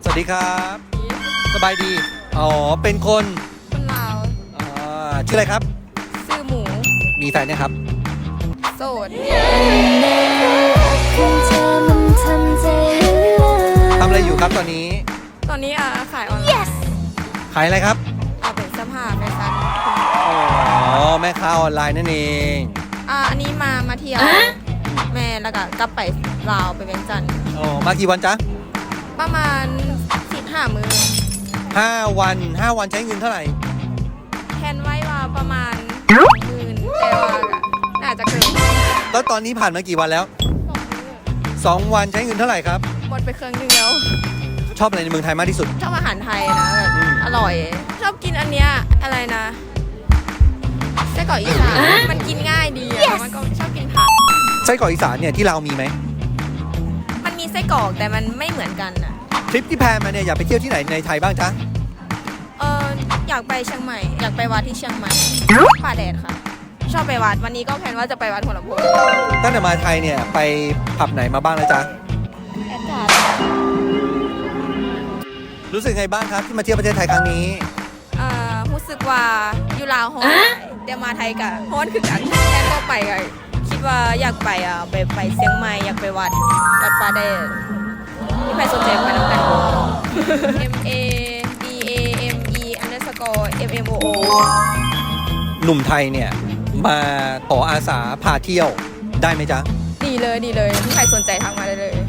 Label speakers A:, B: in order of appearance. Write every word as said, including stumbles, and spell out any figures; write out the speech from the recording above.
A: วัสดีครับสบายดีอ๋อเป็นคน
B: คนลาว
A: อ่าชื่ออะไรครับ
B: ซื้อหมู
A: มีแฟนเนี่ยครับ
B: โสด
A: ทำอะไรอยู่ครับตอนนี้
B: ตอนนี้อ่ะขายออนไลน์
A: ขายอะไรครับ
B: เอาเป็นเสื้อผ้าแฟชั่น
A: อ๋อแม่ค้าออนไลน์นั่นเอง
B: อ่ะอันนี้มามาเที่ยวแม่แล้วก็กลับไปลาวไปเวียงจันทร์
A: อ๋อมากี่วันจ๊ะ
B: ประมาณสิบห้ามือ
A: ห้าวันห้าวันใช้เงินเท่าไหร่
B: แทนไว้ว่าประมาณหมื่นแต่ว่าก็น่าจะเกิน
A: แล้วตอนนี้ผ่านมากี่วันแล้ว
B: สองมื้อ
A: สองวันใช้เงินเท่าไหร่ครับ
B: หมดไปเครื่องนึงแล้ว
A: ชอบอะไรในเมืองไทยมากที่สุด
B: ชอบอาหารไทยนะแบบ
A: อืม
B: อร่อย ชอบกินอันเนี้ยอะไรนะไส้กรอกอีสานมันกินง่ายดีอะมันก็ชอบกินผัก
A: ไส้กรอกอีสานเนี่ยที่เราวมีไหม
B: มันมีไส้กรอกแต่มันไม่เหมือนกันอะ
A: ทริปที่แพลนมาเนี่ยอยากไปเที่ยวที่ไหนในไทยบ้างจ๊ะ
B: เอออยากไปเชียงใหม่ อยากไปวัดที่เชียงใหม่ป่าแดดค่ะ ชอบไปวัดวันนี้ก็แพลนว่าจะไปวัดหัวลำโพง
A: ตั้งแต่มาไทยเนี่ยไปผับไหนมาบ้างแล้วจ๊ะ
B: แอดการ์
A: รู้สึกไงบ้างครับที่มาเที่ยวประเทศไทยครั้งนี้
B: เอ่อรู้สึกว่าอยู่ลาวฮ้อนเดี๋ยวมาไทยกะฮ้อนคือกันแทนก็ไปกะคิดว่าอยากไปอ่ะไปไปเชียงใหม่อยากไปวัดวัดป่าแดดมีใครสนใจไปน้ำกัน M A D A M E underscore M M O O
A: หนุ่มไทยเนี่ยมาขออาสาพาเที่ยวได้ไหมจ๊ะ
B: ดีเลยดีเลยมีใครสนใจทักมาได้เลย